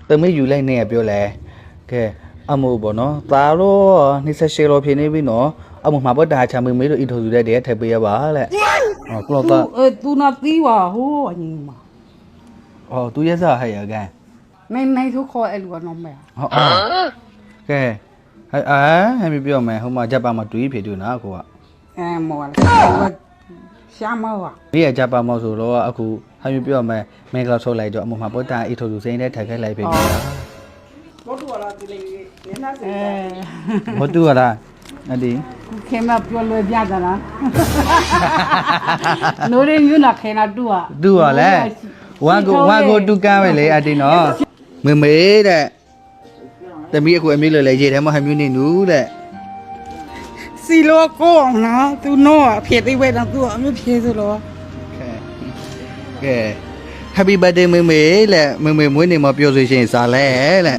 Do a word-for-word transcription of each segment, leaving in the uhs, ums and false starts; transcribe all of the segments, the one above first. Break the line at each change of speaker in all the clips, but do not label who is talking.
တမေယူလိုက်နေရပြောလဲကဲအမို့ပေါ့နော်သားတော့နှစ်ဆက်ရှယ်လို့ဖြစ်နေပြီနော်အမို့မှာပေါ့တာချာမေမေတို့အီထိုစုတဲ့တည်းထပ်ပေးရပါလက်ဟောကလောတော့
เออตูน่ะตีว่าโหอันนี้มา
ဟောသူရဲ့စားဟဲ့ရကန်
ในในทุกคนไอ้ลูกน้องแม่
ဟောကဲအဲအာဟဲ့ပြောမယ်ဟိုမှာဂျပန်မှာတူကြီးဖြစ်တူနော်ကိုက
เออหมอละว่าช้ามาว่ะ
ဒီကဂျပန်မောက်ဆိုတော့အခုဟဲ့ပြောမယ်မင်္ဂလာထုတ်လိုက်တော့အမို့မှာပေါ့တာအီထိုစုစိမ့်တဲ့ထပ်ခဲ့လိုက်ပြီနော်
รถตัวละติเลยเนี่ยนะเออ
ဟောတူရလားအဒီ
เข้มาပြောလွယ်ပြတာလားနိုးရယူနာခဲနာတူอ่ะ
တူရလဲဝါကိုဝါကိုတူကမ်းပဲလေအဒီနော်မေမေတဲ့တမီးအခုအမေလွယ်လေရေထဲမှာဟမျိုးနေနူးတဲ့
စီလောကိုนะตูโน่เพียติเวนะตูအမျိုးဖြေဆိုတော့
ကဲ Happy birthday မေမေလက်မေမေမွေးနေ့မှာပြောဆိုရှင်စားလဲလက်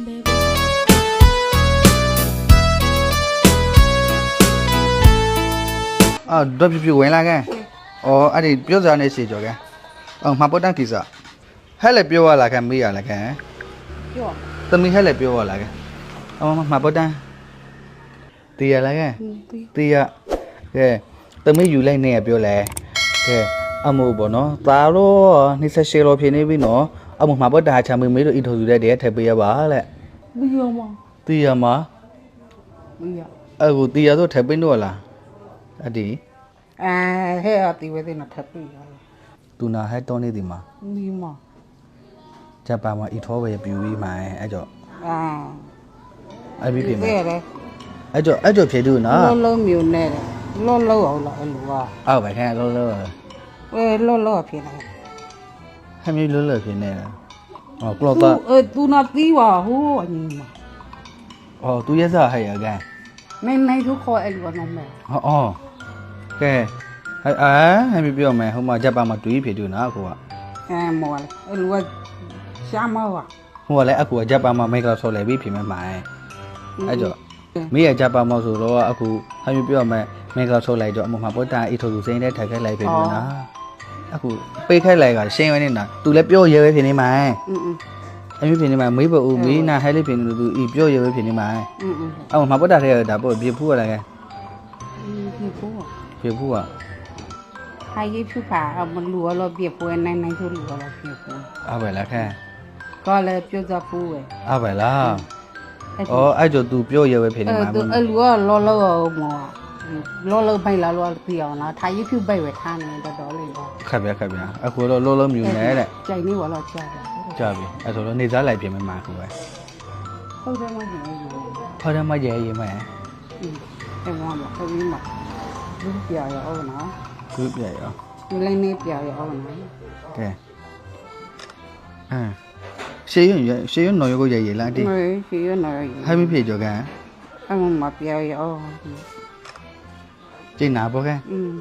အော်တော့ပြပြဝင်လာကန်အော်အဲ့ဒီပြောစားနေစီကြောကန်အော်မှာပတ်တန်ကိစ္စဟဲ့လေပြောရလာကန်မေးရလာကန်
ပြော
သမီးဟဲ့လေပြောရလာကန်အော်မှာပတ်တန်တီးရလာကန်တီးရကဲသမီးယူလိုက်နေရပြောလဲကဲအမို့ပေါ့နော်သားတော့နှစ်ဆက်ရှယ်လို့ဖြစ်နေပြီနော်အမို့မှာပတ်တာချာမေမေတို့အီထိုစုတဲ့တည်းထပ်ပေးရပါလက်
မီယောမ
တီးရမှာ
မီယော
အခုတီးရတော့ထပ်ပေးတော့လားအဒီ
အဲဟဲ့အတီဝဲတဲ့နော်ထပ်ပြီ
တူနာဟဲ့တောနေဒီမှာ
မီမ
ဂျပန်မှာအီထောပဲပြူပြီးမှအဲ့ကြော
အာ
အဲ့ပြီးပြင်မယ်
တဲ့လေ
အဲ့ကြောအဲ့ကြောဖြေတူနော်
လောလောမျိုးနဲ့လောလောအောင်လားအဲ့လိုက
အောက်ပဲခဲလောလော
အဲလောလောဖြစ်နေ
ဟဲ့မျိုးလောလောဖြေနေလားဟောကလောတော့
เออตูน่ะตีว่าโหอันนี้มา
ဟောသူရဲ့စားဟဲ့ရကန်
ในในทุกคนไอ้ลูกน้องแม่
ဟောအော်ကဲဟဲ့အာဟဲ့ပြောမယ်ဟိုမှာဂျပန်မှာတူကြီးဖြေတူနော်ကိုက
เออหมอละไอ้ลูกช้ามาว่ะ
ဟိုကလည်းအခုဂျပန်မှာမိတ်ကဆော်လဲပြီးဖြေမယ်မှအဲ့ကြောမိရဂျပန်မောက်ဆိုတော့အခုဟဲ့ပြောမယ်မိတ်ကဆော်လိုက်တော့အမမှာပတ်တာအီထိုစုစိမ့်တဲ့ထပ်ခဲ့လိုက်ပြီနော်အခုပေးခိုက်လိုက်ကရှင်းရနေတာသူလည်းပြောရဲပဲဖြစ်နေမှာ
อืม
အမျိုးဖြစ်နေမှာမေးဖို့မေးနာဟဲလေးဖြစ်နေလို့သူဤပြောရဲပဲဖြစ်နေမှာ
อืมอืม
အော်မှာပတ်တာထဲဒါပေါ့ပြဖူးရလားကဲ
พี่ผู้
ပြဖူးอ่ะ
ใครยี่ผู้ผาเอามันรัวเราเปียกปวยในในทุรัวเราเปียกปวย
အော်ပဲလားခဲ
ก็เลยเปียกจะผู้เว้ย
အော်ပဲလားအော်အဲ့ကြောသူပြောရဲပဲဖြစ်
เอ
နေ
อ
မှာ
ตัวไอ้รัวล้อล้อหมอล้อล้อไปละล้อเปียกนะทายยี่ผู้ไปเว้ยท่านี่ดอๆเลยบ่
ခက်ပြခက်ပြအခုတော့လောလောမြူနေတဲ့
ใจนี่ว่าเราจ้าจ้ะ
ကြာပြီအဲ့ဆိုတော့နေစားလိုက်ပြင်မယ်မှာခုပဲ
ဟုတ်တယ်မဟုတ်ဘူး
ခေါ်တယ်မရဲရဲမယ်
อืมแต่ว่าบ่เขามีบ่ลูกเปียกเอาเนาะ
ခုပြရအောင်
ဒီလည်းနေပြရအောင်နော်
ကဲအဲရှေးရွရှေးရွနော်ရုပ်ကိုရဲရဲလားတိ
မေးရှိရနော်
ဟဲ့မဖြစ်ကြောကန်
အမမပြရအောင်
ကျင်းနာပေါ့ကဲ
อืม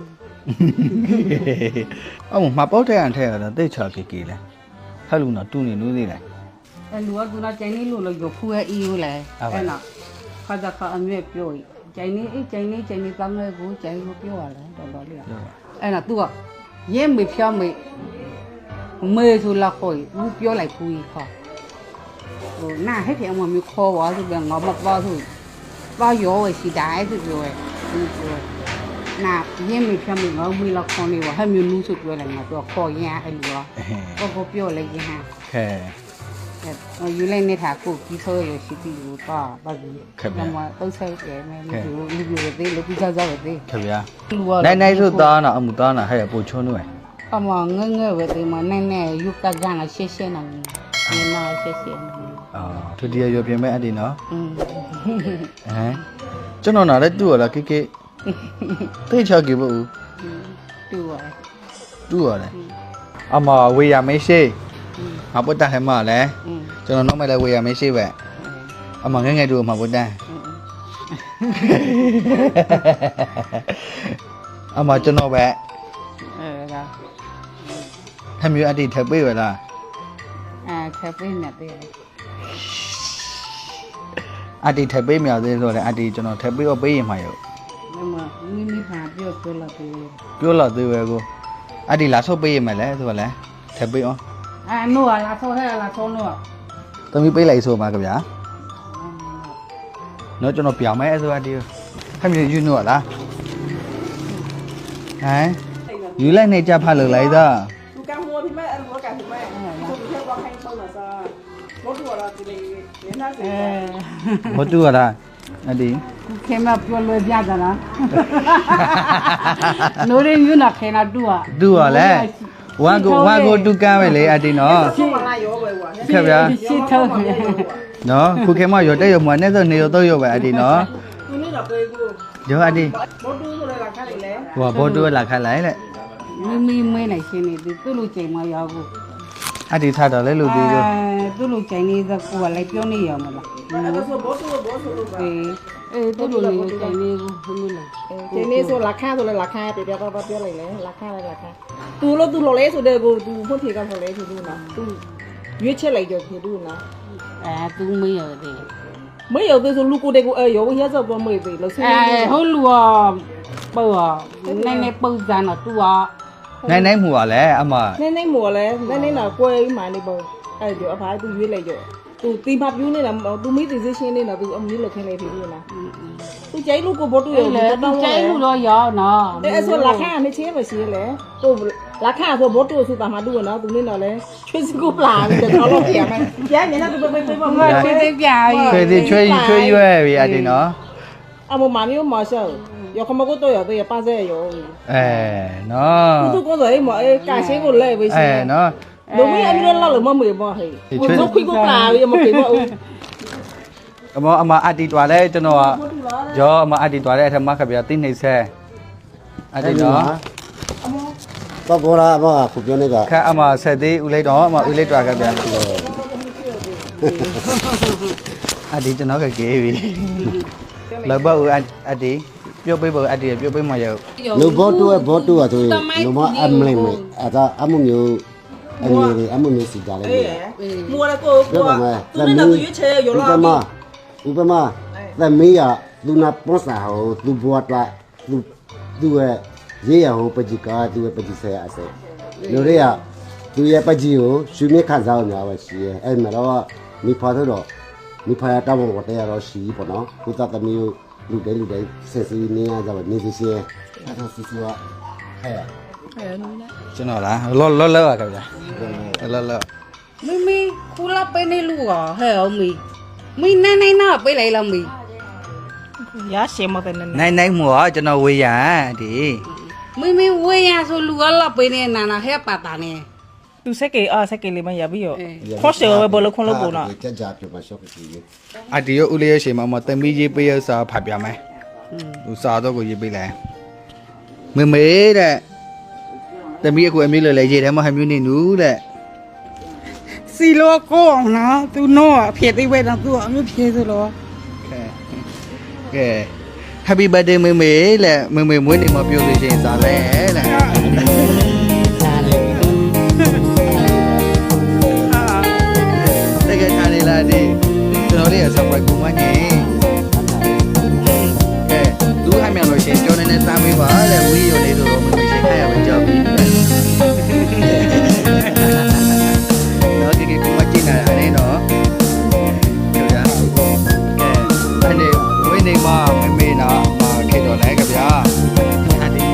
အော်မှာပေါက်တဲ့အန်ထဲကတော့တိတ်ချကေကေလဲဟဲ့လူနော်တူနေနူးသေးတယ်
အဲလူကသူကကျိုင်းလေးလို့လို့ရဖူးရဲ့အီကိုလဲအဲ့နော်ခါကြခါအမြဲပြောရင်ကျိုင်းလေးအေးကျိုင်းလေးကျိုင်းလေးတောင်းလဲကိုကျိုင်းကိုပြောရလဲတော်တော်လေးအဲ့နော်သူကရဲမေဖြောင်းမေမေဆိုလာခေါ်ဘူးပြောလိုက်ဖူးကြီးခေါ်ဟိုနာဟဲ့ပြေအမမျိုးခေါ်ပါဆိုပြန်ငါမပါဆိုပါရောဝရှိတိုင်းဆိုပြောရဲ့သူပြောနာရင်းမိဖြတ်မိငေါမီလောက်ခေါ်နေပါဟဲ့မျိုးနူးဆိုပြောလိုက်ငါတော့ခေါ်ရင်အဲ့လိုတော့ကိုပြောလိုက်ရင်ဟာ
ခဲ
အဲ့ယူလိုက်နေတာကိုကြီးဆိုရရှိတီကိုတော့ပါဘူးကမတော့ဆိုင်တယ်မယ်လူလူလူတွေလူပြီးကြကြပဲသေး
ခဗျာနိုင်နိုင်ဆိုသားနာအမှုသားနာဟဲ့ပိုချုံးနွယ်
အမငငယ်ပဲဒီမှာနဲ့နဲ့ယူကကြနာရှက်ရှက်နေနေနာရှက်ရှက်နေ
အော်သူတရရွပြင်မဲ့အတီနော်
อืม
ဟမ်ကျွန်တော်နာလည်းတူရလားကေကေတိတ်ချကေဘူး
တူပါ
တူရတယ်အမဝေရမေးရှိငါပုတ်တာဟဲ့မလဲ
อืม
ကျွန်တော်နောက်မဲ့လည်းဝေရမေးရှိပဲအမငငယ်တူမှာပုတ်တာအမကျွန်တော်ပဲ
အဲဒါ
ထမျိုးအတီထပ်ပေးရလား
အဲချက်ပေးနေတယ်
အတီထပ်ပေးမြောက်သေးဆိုတော့အတီကျွန်တော်ထပ်ပေးတော့ပေးရင်မှာရော
မမမိမိဖာပြောပြောလာတယ်
ပြောလာသေးပဲကိုအတီလာဆုပ်ပေးရမယ်လဲဆိုတော့လဲထပ်ပေးအောင်
အဲနို့လာဆောဟဲလာဆောနို့
တသမီးပေးလိုက်ဆိုမှာခင်ဗျာနော်ကျွန်တော်ပြောင်းမယ်ဆိုအတီးခမင်းယူနော်လားဟမ်ယူလိုက်နေကြဖတ်လို့လိုက်သား
သူကမှพี่แม่อันหัวกันพี่แม่သူเที่ยวว่าให้เปิ้ลน่ะซะรถตัวละสิเลยเนี่ยน่าสิ
အဲ
မတူရလားအတီး
ခုခေမပြောလွယ်ပြတာလားနိုးရင်းယူနာခေနာတူอ่ะ
တူရလဲဝမ်ကိုဝမ်ကိုတူကမ်းပဲလေအတီးနော်
ช่วงมาโยไปว่ะ
ခင်ဗျာ
ရှစ်ထုံးနေ
နော်ခုခေတ်မရောတက်ရမနဲ့ဆိုနေရတော့ရပဲအတီးနော်
သူนี่น่ะเป้กู
ရောအတီး
รถตู้ဆိုเลยราคาเลยแหละ
ဟိုဘောတူလာခတ်လိုက်လေ
မိမိမဲနိုင်ရှင်းနေသူသူ့လူချိန်မရောက်ဘူး
အတီးထားတော့လဲလို့ပြီးလို့
အဲသူ့လူချိန်နေတဲ့ကိုကလည်းပြောနေရမလား
အဲ့ဒါဆိုဘောตู้ဘောဆိုလို့ပါ
အေးအေးသူ့လူလေးချိန်နေကိုဘယ်လိုလဲ
ဒီနေ့ဆိုราคาဆိုเลยราคาไปเดี๋ยวก็ပြောလိုက်လေราคาเลยราคาသူလို့သူလို့လဲဆိုတဲ့ကိုသူဖွင့်ဖြေကဆိုလဲဆိုသူနော်သူရွေးချက်လိုက်ကြောဖြစ်သူနော်
အဲသူမေးရတယ်
ไม่有对说路过的个哎哟我现在不没对了所以
အဲဟိုလူကပေါ့နည်းနည်းပုံစံတော့သူက
နိုင်နိုင်မှုပါလဲအမ
那那么嘞那那那贵买那包哎就阿爸都约来着သူတီမပြူးနေတာသူမိသေးသေးရှင်းနေတာသူအမျိုးလောက်ခင်းနေပြီလားသူကြိုက်လို့ကိုဘောတူရ
လေသူကျဲလူတော့ရောနော်
တဲ့ဆိုလာခါနေချင်းမရှိလေသူလာခါဆိုဘောတူဆိုတာမှတူနော်သူနေတော့လေချွေးစကူပလာတယ်တော့လို့ပြန်မယ်ပြန်နေတာသူပဲပဲပဲ
မချွေးသိပြာကြီး
ချွေသေးချွေချွေရွဲ့ပြီအတီးနော်
အမမမျိုးမဆောရခမကတော့ရတဲ့ပါစေရော
အဲနော်
သူကတော့အဲ့မအဲ့ကာရှင်းကိုလဲပဲရှ
အဲ
င်း
နော်
လူမင်းအမျိုးလောက်လို့မမေဘောဟဲ့သူခွေးကိုပလာရမပြေဘော
အမအမအတီးတွာလဲကျွန်တော်ကရောအမအတီးတွာလဲအထမခဗျာတိနေဆဲအတီးနော်
တော့ဘောရာဘောခုပြောနေက
ခက်အမဆက်သေးဦးလိုက်တော့အမဦးလိုက်တွာခဗျာအတီးကျွန်တော်ကကေးပြီလောက်ပါဦးအတီးပြုတ်ပေးဖို့အတီးပြုတ်ပေးမှရ
လူဘောတူဘောတူဆိုရင်လူမအမလိမ့်မယ်အဲဒါအမှုမျိုးအမျိုးတွေအမှုမျိုးစီကြလဲ
အေးမူရကိုကိုသူနဲ့သူရွေးချယ်ရော
ဥ
လာ
ပမာဥပမာသမီးရလူနာပေါ်စာဟိုသူဘောတာသူသူရဲ့ရေးရဟိုပကြီးကာသူရဲ့ပကြီးဆဲအစဲလူတွေကသူရဲ့ပကြီးကိုရွှေမြခန်းစားအောင်များပဲရှိရဲအဲ့မှာတော့မိဖာတော့မိဖာတောင်းဝတ်ရတော့ရှိပေါ့နော်ခုသသမီးကိုလူတိုင်းလူတိုင်းဆက်စီနေရကြပါနေစီစီအဲ့ဒါစီစီကဟဲ့
ကျွန်တော်လားလောလောလောခဗျာလောလော
မိမိခူလာပေးနေလူကဟဲ့အောင်မိမိနိုင်နိုင်နာပေးလိုက်လားမိ
ရရှင်းမတဲ့နဲ့
နိုင်နိုင်မှုကကျွန်တော်ဝေးရအတီး
မိမိဝေးရဆိုလူကလာပေးနေနာနာဟဲ့ပါတာနေ
သူစက်ကေအားစက်ကေလေးမရပြီးရောခေါ်ရှယ်ပဲဘလခွန်လို့ပုံနော်
ကြကြပြမရှော့ပြီ
အတီးရောဦးလေးရရှိမှာမတမီးကြီးပေးရစာဖတ်ပြမယ်ဟိုစာတော့ကိုရေးပေးလိုက်မေမေတဲ့တမီးအခုအမျိုးလေလေရေးတယ်မဟမျိုးနေနူးတဲ့
စီလောကိုအောင်နော်သူနော်အဖြစ်သေးပဲတော့သူအမျိုးဖြစ်ဆိုလို့
ကဲကဲ Happy birthday မေမေလက်မေမေမွေးနေ့မှာပြောလို့ရှိရင်စာလဲလက်တကယ်ထားနေလားဒီကျွန်တော်လေးက surprise ကိုမညင်ကဲသူအမြန်လို့ရှိရင်ကြောနေနေစားပေးပါတဲ့ဝီးရုံလေးဆိုတော့မေမေရှိခိုင်းရမယ်ကြောက်ပြီနော်ဒီကကိုမကြည့်နေတာအဲ့နော်ကြောက်ရကဲအဲ့ဒီဝင်းနေမှာမေမေနာမှာခေတော်လဲကြဗျာအဲ့ဒီ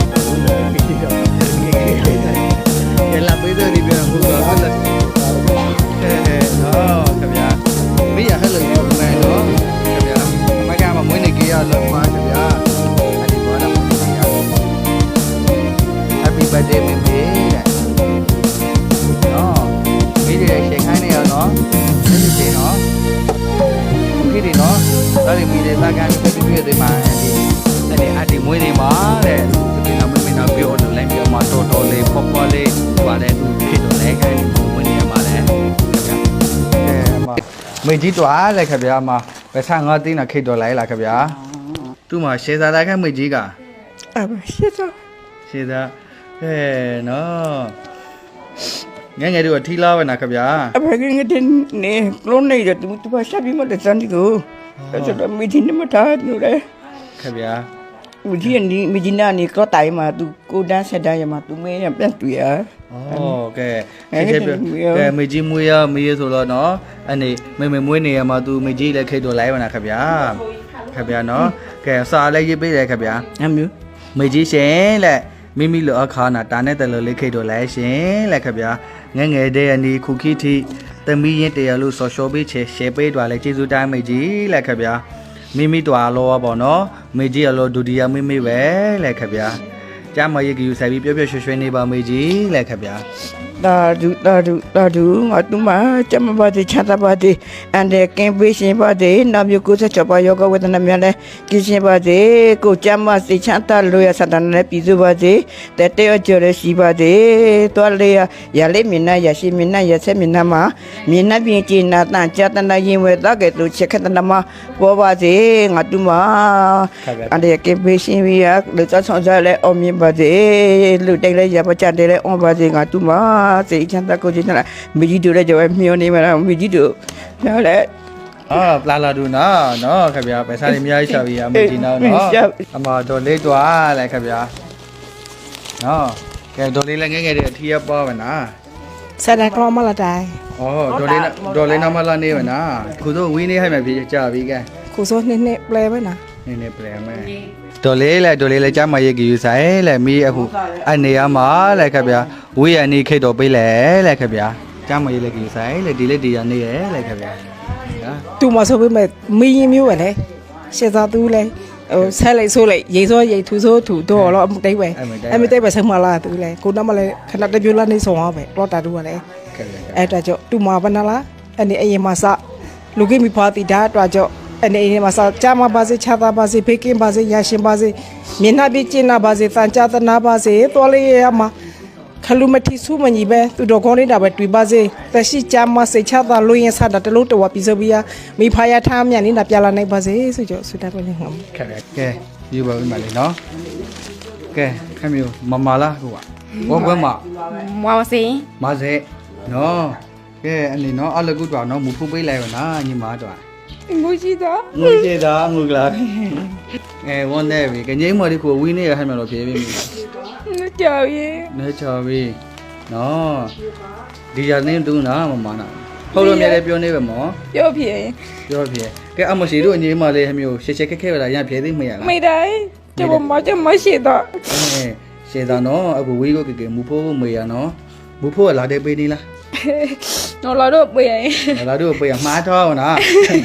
ကဲလာပေးတယ်ဒီပြန်ဟုတ်တော့ဟုတ်လားအဲနော်ကြဗျာမေးရဟဲ့လို့ပြောမယ်နော်ကြဗျာမကမမွေးနေကြရလို့ပါကြဗျာအဲ့ဒီဘောလာမွေးနေကြရ Happy birthday မေမေတဲ့နော်မေးတယ်ရှေ့ခိုင်းနေရနော်ဒီစီနော်โอเคဒီနော်ဒါလေးမိတယ်သားကန်ပြပြသေးမှာဒီတဲ့အဲ့ဒီမွေးနေမှာတဲ့ဒီကမမေနာပြောလို့လိုက်ပြောမှာတော်တော်လေးပေါ်ပေါ်လေးပါတဲ့သူဖြစ်တော့လဲခိုင်းမွေးနေမှာလဲခင်ဗျာအဲမှာမေကြီးတွားလဲခင်ဗျာမှာဘယ်ဆငါသိနာခိတ်တော်လိုက်လားခင်ဗျာသူ့မှာရှေသာသားခိုင်းမေကြီးက
အဲ့ရှင်းတော့
ရှေသာအဲနော်ငယ်ငယ်တို့ထီလာပဲနာခင်ဗျာ
အဖေကငတဲ့နေကလုံးနေတယ်သူသူပါရှာပြီးမတဲ့စန်ဒီကိုအဲ့ဒါမီတင်မထားလို့လေ
ခင်ဗျာ
မကြီးနီမကြီးနာနီကောတိုင်မှာသူကိုတန်းဆက်တန်းရမှာသူမဲရပြန်တွေ့ရ
ဩကဲခေခေကဲမေကြီးမွေးရမေးရဆိုတော့နော်အနေမေမေမွေးနေရမှာသူမေကြီးလည်းခိတ်တော်လိုက်ပါနာခင်ဗျာခင်ဗျာနော်ကဲစာလည်းရေးပေးတယ်ခင်ဗျာ
အမျိုး
မေကြီးရှင်လက်မိမိလိုအခါနာတာနဲ့တလလေးခိတ်တော်လိုက်ရှင်လက်ခင်ဗျာငငယ်တဲ့အနီခုခိတိသမီးရင်တရားလို့ဆော်ရှော်ပေးချေရှယ်ပေးတော်လဲကျေးဇူးတိုင်းမေကြီးလက်ခင်ဗျာမိမိတော်လောပေါ့နော်မေကြီးအလောဒုတိယမိမိပဲလက်ခင်ဗျာကျမရေကြီးဆိုင်ပြီးပြောပြောရွှေရွှေနေပါမေကြီးလက်ခင်ဗျာ
တာဒူတာဒူတာဒူငါတူမချမပါတိချတာပါတိအန်တဲ့ကင်ပေးရှင်ပါတိနာမျိုးကိုချက်ချပါယောဂဝေဒနာများလဲကြည်ရှင်ပါတိကိုချမစိချတာလို့ရစတန်နဲ့ပြည်စုပါတိတဲ့တဲ့ကြော်ရရှိပါတိတော်လေရလေးမင်းနာရရှိမင်းနာရဆက်မင်းနာမှာမင်းနာပြင်းကျင်နာတန်ကြတနာရင်ဝဲတော့ကဲသူချက်ခတနာမှာပေါ်ပါတိငါတူမအန်တဲ့ကင်ပေးရှင်ဝီရလူချဆောင်ကြလဲအောင်မြင်ပါတိလူတိတ်လဲရပါကြတယ်လဲအောင်ပါတိငါတူမစိတ်ချမ်းသာကိုကြည့်နေတာမိကြီးတို့လည်းကြော်မျောနေမှာမိကြီးတို့နော်လေ
အာပလာလာဒူနော်နော်ခင်ဗျာပဲစားနေအများကြီးရှာပြီးရမေကြီးနော်နော်အမတော်လေးတွားလဲခင်ဗျာနော်ကဲတော်လေးလည်းငယ်ငယ်တဲ့အထီးရပေါ်ပါနာ
ဆက်တာတော့မလာတိုင်း
ဩတော်လေးတော်လေးနောက်မှလာနေပါနာခုတော့ဝင်းနေဟိုက်မှပြေကြပြီကဲ
ကိုစိုးနှစ်နှစ်ပလဲပဲနာ
နေနေပြန်မယ်တော်လေးလဲတော်လေးလဲကြားမရိတ်ကြီးယူဆိုင်လဲမီးအခုအနေရမှာလဲခင်ဗျာဝေးရနေခိတ်တော်ပေးလဲလဲခင်ဗျာကြားမရိတ်လဲကြီးယူဆိုင်လဲဒီလက်ဒီရနေရလဲခင်ဗျာဟာ
တူမဆိုပေးမဲ့မီးရင်မျိုးပဲလေရှေ့သားသူလဲဟိုဆက်လိုက်ဆိုးလိုက်ရေစောရေထူဆိုးထူတော့တော့အမတိတ်ပဲအမတိတ်ပဲဆက်မလာသူလဲကိုတော့မလဲခဏတပြိုလာနေဆောင်အောင်ပဲတော့တာတူကလည်း
ခင်ဗျာ
အဲ့ဒါကြောင့်တူမဘနာလားအနေအရင်မှာစလူကိမိဖာတီဒါတော့ကြောင့်အနေအရင်မှာစကြာမပါစေချာတာပါစေဖေကင်းပါစေရရှင်ပါစေမျက်နှာပြကျင်းနာပါစေတန်ကြသနာပါစေတော်လေးရမှာခလူမတိစုမညီပဲသူတော်ကောင်းနေတာပဲတွေ့ပါစေတရှိကြာမစိတ်ချတာလို့ရင်စတာတလို့တော်ပြီးဆိုပြီးမိဖာရထားမြန်နေတာပြလာနိုင်ပါစေဆိုကြောဆုတာပဲငါ
ခင်ဗျာကဲယူပါဦးမလေးနော်ကဲခင်ဗျာမမလားဟိုကဘောကွဲမှာ
မွားစင်
မဆဲနော်ကဲအနေနော်အလကုတော်နော်မူဖူးပေးလိုက်ပါနာညီမတော်
ငိုရှိတော့
ငွေကြေးတာငွေကလာအဲဝန်နေပြီကငိမ့်မော်ဒီကိုဝင်းနေရဟမ်းမလို့ပြေးပြီ
ငါကြောက်ရဲ့
နေချော်ပြီနော်ဒီရနေတူနာမမနာဟုတ်လို့မြဲတယ်ပြောနေပဲမော်
ပြောဖြစ်
ပြောပြေကဲအမရှိတို့အငိမ့်မလေးဟမျိုးရှက်ရှက်ခက်ခဲလာရပြေးသိမရလား
မိတိုင်းကျမမကျမရှိတော့
အဲရှေတာနော်အခုဝေးကိုကေကေမူဖို့မေရနော်မူဖို့လာတဲ့ပေးနေလား
နော်လာတော့ပြေးရင်
လာတို့ပေးရမှားတော့နော်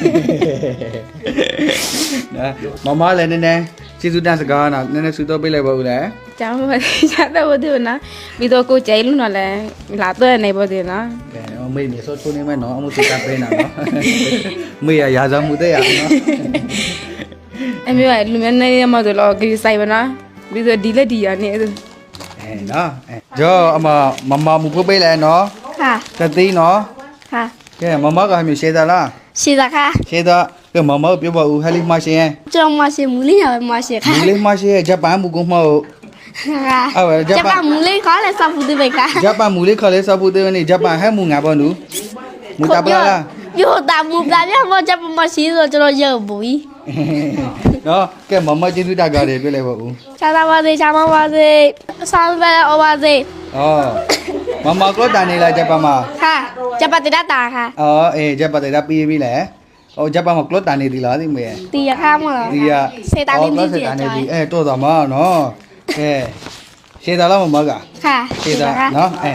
နော်မမလည်းနည်းနည်းကျေးဇူးတင်စကားနော်နည်းနည်းဆူတော့ပေးလိုက်ပါဦးလေ
ကျောင်းမရတော့ဘူးသူနော်ပြီးတော့ကိုကျဲလို့နော်လဲလာတော့နေပါသေးနော်
ကဲမေးနေဆိုချိုးနေမယ်နော်အမှုစကားပေးနာနော်မေးရရာဇမှုတဲ့ရနော်
အမေကလူမျိုးနေရမှာတော့ဂီဆိုင်ပါနော်ပြီးတော့ဒီလက်ဒီရနေ
အဲနော်အဲဂျောအမမမမူဖို့ပေးလဲနော်
ค่ะ
တသိနော်
ค่ะ
ကဲမမကမျိုးရှေးသလား
ရှိတာค่ะ
ရှေးသကဲမမပြောပါဦးဟဲလီမရှင်
ကျောင်းမရှိမူလေးရမရှိค่ะ
ဒီလေးမရှင်ဂျပန်မူကုမဟုတ်
ค่ะ
အော်ဂျ
จะ
ပန်
ปะมูเลยขอเลยสับฟูดิเบค่ะ
ဂျပန်မူလေးခလေးစပူတဲ့နေဂျပန်ဟဲမူငါပေါ်နူမူတပလာလား
อยู่ตามมูตามเนี่ยมันจะมาชี้ဆိုကျွန်တော်ရုပ်ဘူး
နော်ကဲမမကျေးဇူးတကားတယ်ပြလိုက်ပါဦး
ချာသာပါစေချာမပါစေဆောင်းပဲအော်ပါစေ
ဩမမကတန်နေလားဂျပန်မှာ
ค่ะจะปฏิบัติตาค่ะ
အော်အေးဂျပန်တဲ့ပြီးပြီလေဟိုဂျပန်မှာကလတန်နေသီလားသိမေ
ตีyaข้ามเหรอ
ဒီက
เซตาลิน
အော်
ดี
ကလ
เสีย
တန်
จ
နေ
อย
ဒီအဲတော့တာမနော်ကဲရှေးတာလားမမက
ค่ะ
ရှေးတာနော်အဲ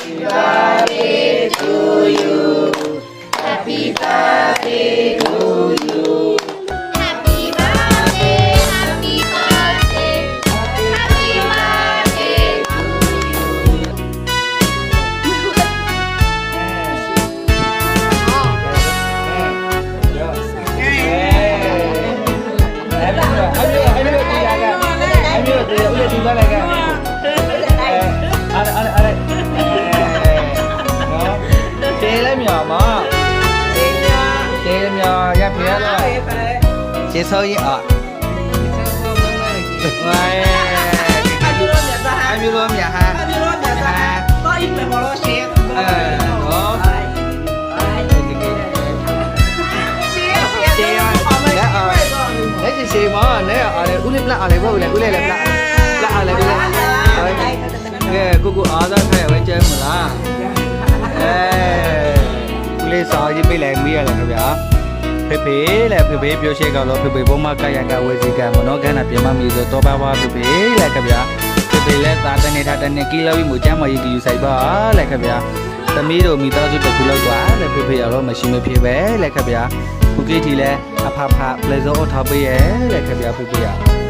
ကျေဆောရင်อ่ะဝိုင်းအပြူလို့မြတ်ဟာအပြူလို့မြတ်ဟာအပြူလို့မြတ်ဟာတော့အိမ်မှာလို့ရှေ့အဲနော်ရှေ့ရှေ့ရှေ့လက်အော်လက်စီရှေမနဲ့အားလေဦးလေးပလက်အားလေဘောဦးလေဦးလေးလည်းပလက်ပလက်အားလေဦးလေးကဲကိုကိုအားသားခိုင်ဝဲကျဲမလားအဲဦးလေးစာရေးပေးလိုက်မိရလဲခင်ဗျာဖေဖေလေဖေဖေပြောရှေ့ကတော့ဖေဖေဘုံမကရကဝေစီကမနောကနပြမမီဆိုတော့ပါပါဖေဖေလေခင်ဗျာဖေဖေလည်းသာတနေတာတနေကီလောပြီးမချမ်းမကြီးယူဆိုင်ပါလေခင်ဗျာသမီးတို့မိသားစုတစ်ခုလောက်သွားလေဖေဖေရတော့မရှိမဖြစ်ပဲလေခင်ဗျာခုကြီးတီလဲအဖဖပလေစောထားပေးရဲ့လေခင်ဗျာဖေဖေရ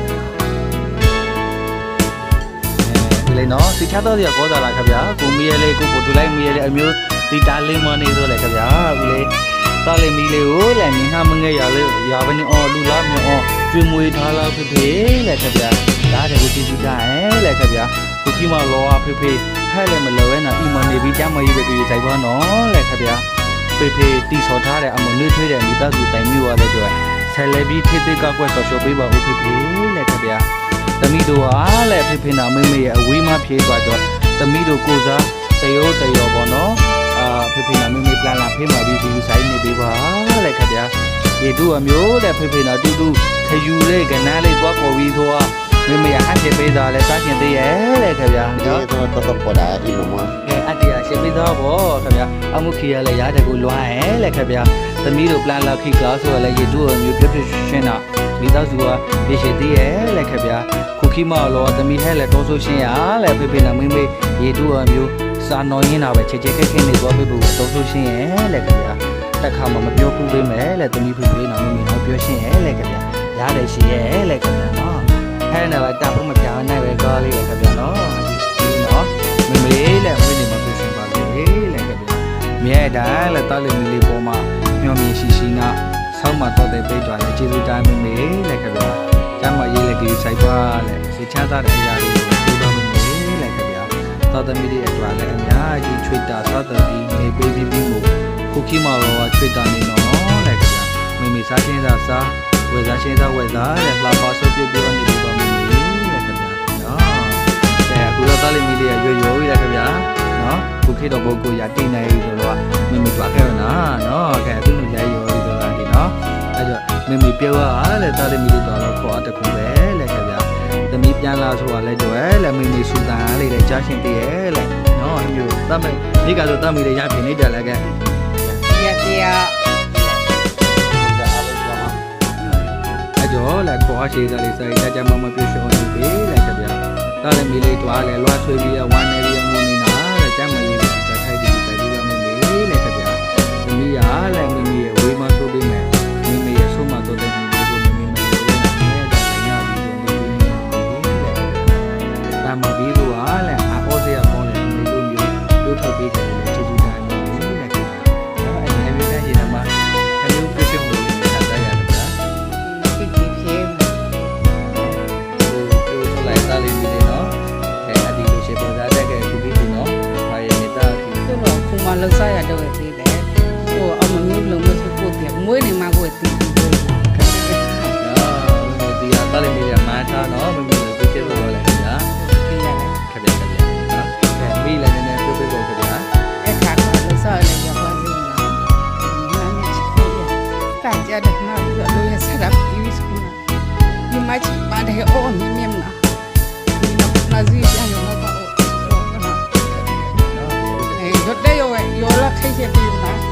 အဲဒီလေနော်စီချတော့ရကောစားလာခင်ဗျာကိုမီးရလေးကိုကိုတူလိုက်မီးရလေးအမျိုးဒီတားလေးမနေဆိုလေခင်ဗျာဦးလေးတားလေးမီးလေးကိုလည်းမြင်ဟာမငဲ့ရလေးရပါနေအော်လူလားမြော်ကျွေးမွေးထားလားဖေဖေလေခင်ဗျာဒါတည်းကိုကြည့်ကြည့်ကြရဲ့လေခင်ဗျာကိုကြီးမလောဟာဖေဖေဟဲ့လည်းမလောရဲနာအီမနေပြီးကြမ်းမကြီးပဲကြည့်ဆိုင်ပါနော်လေခင်ဗျာဖေဖေတီဆော်ထားတဲ့အမနှွေးထွေးတဲ့မိသားစုတိုင်မျိုးရလဲကြွယ်ဆယ်လေပြီးထိသိကကွက်ဆော်ရှော့ပေးပါဦးဖေဖေလေခင်ဗျာသမီးတို့ဟာလေဖေဖေနာမေမေရဲ့အဝေးမဖြေးသွားတော့သမီးတို့ကိုစားတရောတရောပေါ့နော်အာဖေဖေနာမေမေပလန်လာဖေးမှာပြီးဒီဆိုင်နေပေးပါလေခင်ဗျာဒီတို့အမျိုးတဲ့ဖေဖေနာတူတူခယူလေးကနားလေးသွားပေါ်ပြီးသွားမေမေရဟန်ချပေးတာလဲစားရှင်သေးရဲ့လေခင်ဗျာ
ဒီတော့တော့ပေါ်တာဒီလိုမျိုး
ကဲအတီးရရှင်ပေးတော့ဗောခင်ဗျာအမှုခီရလဲရားတဲ့ကိုလွှမ်းရဲ့လေခင်ဗျာသမီးတို့ပလန်လာခိကလာဆိုလဲရေတို့အမျိုးပြပြရှင်းတာမိသားစုကရေရှိသေးရဲ့လေခင်ဗျာခုခိမလောသမီးဟဲလဲတောဆိုရှင်းရလဲဖေဖေနာမေမေရေတို့အမျိုးစာနော်ရင်းတာပဲချေချေခက်ခက်နေသွားပြီဘူးတောဆိုရှင်းရဲ့လေခင်ဗျာတက်ခါမှမပြောဘူးပေးမယ်လေသမီးဖေဖေနာမေမေဟောပြောရှင်းရဲ့လေခင်ဗျာရားတယ်ရှိရဲ့လေခင်ဗျာနော်ဟဲ့နော်တာဖို့မပြောင်းနိုင်ပဲကောလေးလေခင်ဗျာနော်ဒီနော်မေမေလေဝိနေမှာပြောရှင်းပါလေလေခင်ဗျာမြဲတာလေတာလေးမီလေးပေါ်မှာမျောမြင်ရှိရှိနာဆောင်းမှာတော့တဲ့ပိတ်သွားလေကျေးဇူးတိုင်းမေမေလေခင်ဗျာကျမ်းမရေးလေကြီးဆိုင်ပါလေစေချသားတဲ့အရာလေးကိုပြောပါမေမေလေခင်ဗျာသာသမီတွေအတွက်လည်းအများကြီးချွေတာသာသမီနေပေးပြီးပြီးမို့ခုခိမောရောချွေတာနေနော်လေခင်ဗျာမေမေစားချင်းစားစားဝယ်စားချင်းစားဝယ်စားတဲ့လှပါဆုပ်ပြပြောနေပြီးပါမေမေလေခင်ဗျာနော်ကဲအခုတော့တားလေးမီလေးရွရွရွရခင်ဗျာနော်ခုခေတ်တော့ပုဂ္ဂိုလ်ရတိနေပြီဆိုတော့မေမေတွားခဲ့ရနာနော်ကဲအခုလိုရိုက်ရောဒီဆိုတာဒီနော်အဲ့တော့မေမေပြောရလေတားလေးမီလေးတော့ခေါ်အတခုပဲလေခင်ဗျာသမီးပြန်လာဆိုတာလဲကြွယ်လေမေမေစူတန်အားလေးလေကြားရှင်တည်းရဲ့လေနော်အမျိုးတတ်မေဒီကဆိုတတ်မေလေးရပြင်နေတယ်လေကဲ
ရပြရ
အဲ့တော့လေခေါ်အရှိစားလေးစိုက်ကြကြမမပြရှောင်းနေပြီလေခင်ဗျာတားလေးမီလေးတွားလေလွှတ်ထွေးပြီးဝမ်းနေပြီးငုံနေတာလေကျမ်းမကြီးလေးစိုက်ထိုက်ပြီးစိုက်ပြီးတော့မေမေလေခင်ဗျာသမီးရလေမေမေရဲ့ဝေးမဆိုးပြီးမယ်မေမေရဲ့ဆုံးမတော်တဲ့မေမေကိုမေမေမလို့နဲ့ဒါလည်းရပြီးတော့မေမေလေတာမပြီးတော့လေအဟောစရာကောင်းတယ်မေတို့မျိုးတို့ထုတ်ပေးတယ်လေကျေးဇူးတိုင်းမေမေလေခင်ဗျာအဲ့ဒီအမျိုးသားရှင်မှာအမျိုးပြည့်စုံလို့ဆက်သားရတယ်ဗျာ
ပြပြဖြဲ
ပြောချလိုက်တာလေးမျိုးနော်အဲအဒီလိုရှေ့ပေါ်သားတဲ့ကခုပြီးပြီနော်ဘာရဲ့နေတာဒီ
သူတော့ခုမှလောက်စားရတော့သေးတယ်ဟိုအမမျိုးလုံးမစဖို့ပြမွေးနေမှာကိုတည်ပြီးတော့
နော်ဒီဟာတာလေးမျိုးမှာထားနော်မမလို့ပြည့်စုံတော့လေခင်ဗျာ
ပြရတယ်
ခင်ဗျာခင်ဗျာနော်အဲမိလည်းနည်းနည်းပြောပြဖို့ခင်ဗျာ
အဲ့ခါကလောက်စားရရပါသေးတယ်နာမည်ချစ်တယ်တာကြတဲ့နာပြီးတော့လို့ရဆက်တာပြီးစကူနာဒီမချပါတယ်အော်မြင်မြင်နာဒီနာဇီပြန်ရောပါအော်နော်အဲရတဲ့ရောရောလာခိုက်ချက်ပြီးနာ